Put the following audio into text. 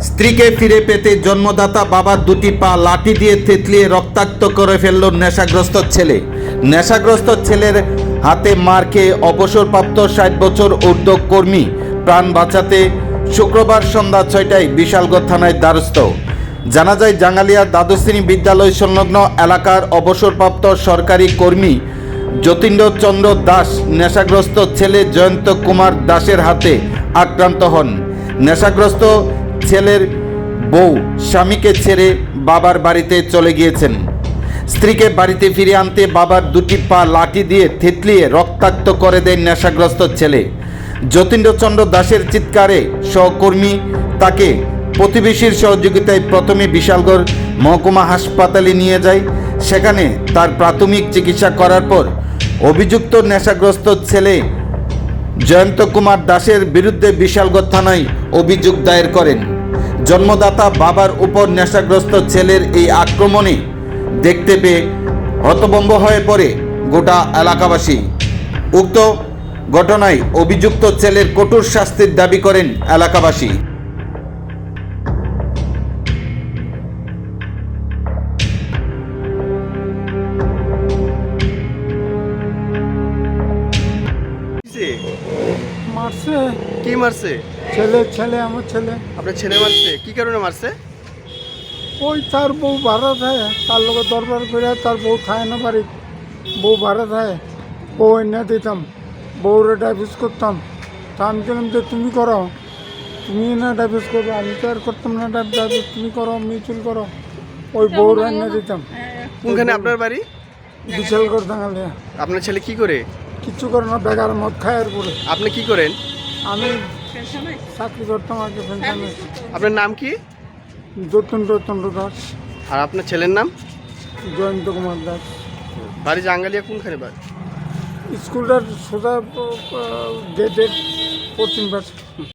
স্ত্রীকে ফিরে পেতে জন্মদাতা বাবার দুটি পা লাঠি দিয়ে থেতলিয়ে রক্তাক্ত করে ফেলল নেশাগ্রস্ত ছেলে। নেশাগ্রস্ত ছেলের হাতে মার খেয়ে অবসরপ্রাপ্ত 60 বছর ঊর্ধ্ব কর্মী প্রাণ বাঁচাতে শুক্রবার সন্ধ্যা 6টায় বিশালগড় থানায় দ্বারস্থ। জানা যায়, জাঙ্গালিয়া দ্বাদশ শ্রেণী বিদ্যালয় সংলগ্ন এলাকার অবসরপ্রাপ্ত সরকারি কর্মী যতীন্দ্র চন্দ্র দাস নেশাগ্রস্ত ছেলে জয়ন্ত কুমার দাসের হাতে আক্রান্ত হন। নেশাগ্রস্ত ছেলের বউ স্বামীকে ছেড়ে বাবার বাড়িতে চলে গিয়েছেন। স্ত্রীকে বাড়িতে ফিরে আনতে বাবার দুটি পা লাঠি দিয়ে থেতলিয়ে রক্তাক্ত করে দেয় নেশাগ্রস্ত ছেলে। যতীন্দ্রচন্দ্র দাসের চিৎকারে সহকর্মী তাকে প্রতিবেশীর সহযোগিতায় প্রথমে বিশালগড় মহকুমা হাসপাতালে নিয়ে যায়। সেখানে তার প্রাথমিক চিকিৎসা করার পর অভিযুক্ত নেশাগ্রস্ত ছেলে জয়ন্ত কুমার দাসের বিরুদ্ধে বিশালগড় থানায় অভিযোগ দায়ের করেন। জন্মদাতা বাবার উপর নেশাগ্রস্ত ছেলের এই আক্রমণে দেখতে পেয়ে হতভম্ব হয়ে পড়ে গোটা এলাকাবাসী। উক্ত ঘটনায় অভিযুক্ত ছেলের কঠোর শাস্তির দাবি করেন এলাকাবাসী। মারছে কি মারছে? ছেলে আমার ছেলে। আপনার ছেলে মারছে? কি কারণে মারছে? ওই তার বউ ভাড়া থাকে, তার লোক দরবার করে তার বউ থাকে না বাড়ি, বউ ভাড়া থাকে, বউ এনে দিতাম, বউরে ডাইভিস করতাম। তা আমি বললাম যে তুমি করো, তুমি না ডাইভিস করো, আমি তো আর করতাম না ডাইভিস, তুমি করো, মিউচুয়াল করো। ওই বউরে এনে দিতাম। কোনখানে আপনার বাড়ি? বিশালগড় দাঙ্গালিয়া। আপনার ছেলে কি করে? কিচ্ছু করে না, বেকার মদ খায় আর করে। আপনি কি করেন? আমি চাকরি করতাম আগে পেনশনে। আপনার নাম কি? যতীন্দ্র দাস। আর আপনার ছেলের নাম? জয়ন্ত কুমার দাস। বাড়ি জাঙ্গালিয়া কোনখানে বাড়ি? স্কুলটার সোজা গেটের পশ্চিম পাশে।